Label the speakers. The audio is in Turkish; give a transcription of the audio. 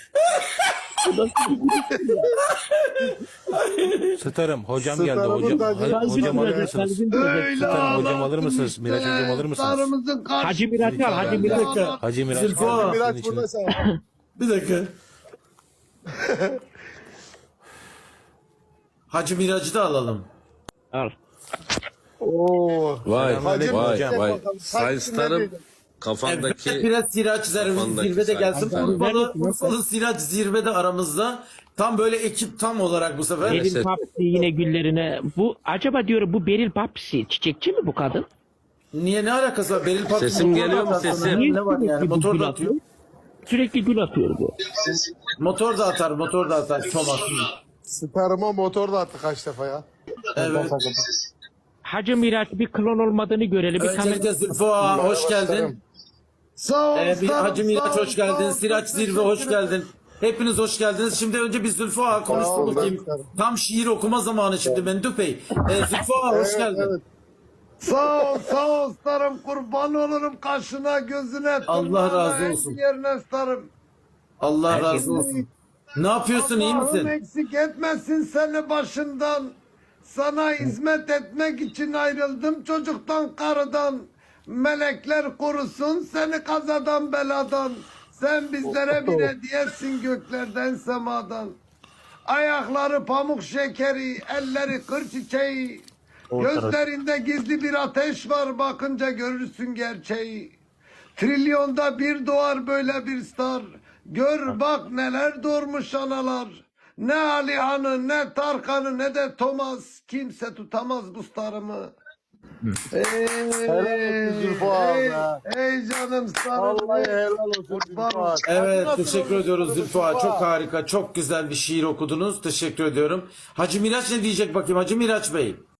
Speaker 1: Starım hocam geldi. Hocam alır mısınız? Starım hocam alır mısınız? Miraç hocam alır mısınız?
Speaker 2: Hacı Miraç al, Hacı Miraç al.
Speaker 1: Hacı Miraç
Speaker 3: Zülfü
Speaker 1: geldi.
Speaker 3: ağa.
Speaker 1: Sizin
Speaker 4: Miraç
Speaker 1: için.
Speaker 4: burada sen.
Speaker 3: Bir dakika. Hacı Miraç'ı da alalım.
Speaker 2: Al.
Speaker 4: Oo.
Speaker 5: Vay
Speaker 4: Hacı
Speaker 5: vay
Speaker 4: Miraç
Speaker 5: vay.
Speaker 4: bakalım.
Speaker 5: Sayın
Speaker 4: Kaç
Speaker 5: Starım
Speaker 4: dinledin?
Speaker 3: Evet,
Speaker 5: kafandaki
Speaker 3: biraz Siraç
Speaker 5: kafandaki
Speaker 3: zirvede gelsin.
Speaker 5: sayın
Speaker 3: Urfalı Siraç zirvede aramızda. Tam böyle ekip tam olarak bu sefer.
Speaker 2: Beril Papsi yine güllerine. Bu acaba diyorum bu Beril Papsi çiçekçi mi bu kadın?
Speaker 3: Niye, ne alakası var? Beril Papsi
Speaker 5: Sesim
Speaker 3: motor
Speaker 5: geliyor mu
Speaker 3: da atar.
Speaker 5: sesim?
Speaker 3: Ne var yani?
Speaker 2: Sürekli bu
Speaker 3: Motor
Speaker 2: gül
Speaker 3: da atıyor.
Speaker 2: Sürekli gül atıyor bu.
Speaker 3: Motor da atar, motor da atar. Thomas.
Speaker 4: Starıma motor da attı kaç defa ya.
Speaker 3: Evet.
Speaker 2: Hacı Miraç bir klon olmadığını görelim. Bir
Speaker 3: Öncelikle
Speaker 2: kamera...
Speaker 3: Zülfü ağa hoş geldin.
Speaker 4: Starım.
Speaker 6: Sağ ol.
Speaker 3: Bir
Speaker 6: sağ ol,
Speaker 3: Hacı Miraç
Speaker 6: sağ ol,
Speaker 3: hoş geldin.
Speaker 6: sağ ol.
Speaker 3: Siraç Zirve hoş geldin. Hepiniz hoş geldiniz. Şimdi önce bir Zülfü ağa konuşsun
Speaker 4: Sağ ol,
Speaker 3: bakayım.
Speaker 4: ben-
Speaker 3: Tam şiir okuma zamanı şimdi Mendüp Bey. Zülfü ağa hoş
Speaker 4: Evet,
Speaker 3: geldin.
Speaker 4: evet.
Speaker 6: Sağ ol, sağ ol starım. Kurban olurum kaşına, gözüne.
Speaker 3: Allah
Speaker 6: tırnağına,
Speaker 3: razı
Speaker 6: en
Speaker 3: olsun.
Speaker 6: Yerine starım.
Speaker 3: Allah razı olsun. Ne yapıyorsun, iyi
Speaker 6: Allah'ım
Speaker 3: misin?
Speaker 6: eksik etmesin seni başından. Sana hizmet etmek için ayrıldım çocuktan, karıdan. Melekler korusun seni kazadan, beladan. Sen bizlere bir hediyesin göklerden, semadan. Ayakları pamuk şekeri, elleri kır çiçeği. Gözlerinde gizli bir ateş var, bakınca görürsün gerçeği. Trilyonda bir doğar böyle bir star. Gör bak neler doğurmuş analar. Ne Alihan'ı, ne Tarkan'ı, ne de Thomas. Kimse tutamaz bu starımı.
Speaker 4: Helal olsun Zülfü ağa
Speaker 6: Ey,
Speaker 4: be.
Speaker 6: ey canım starım.
Speaker 4: Vallahi helal olsun Zülfü ağa.
Speaker 3: Evet, teşekkür ediyoruz Zülfü ağa. Çok harika, çok güzel bir şiir okudunuz. Teşekkür ediyorum. Hacı Miraç ne diyecek bakayım Hacı Miraç Bey?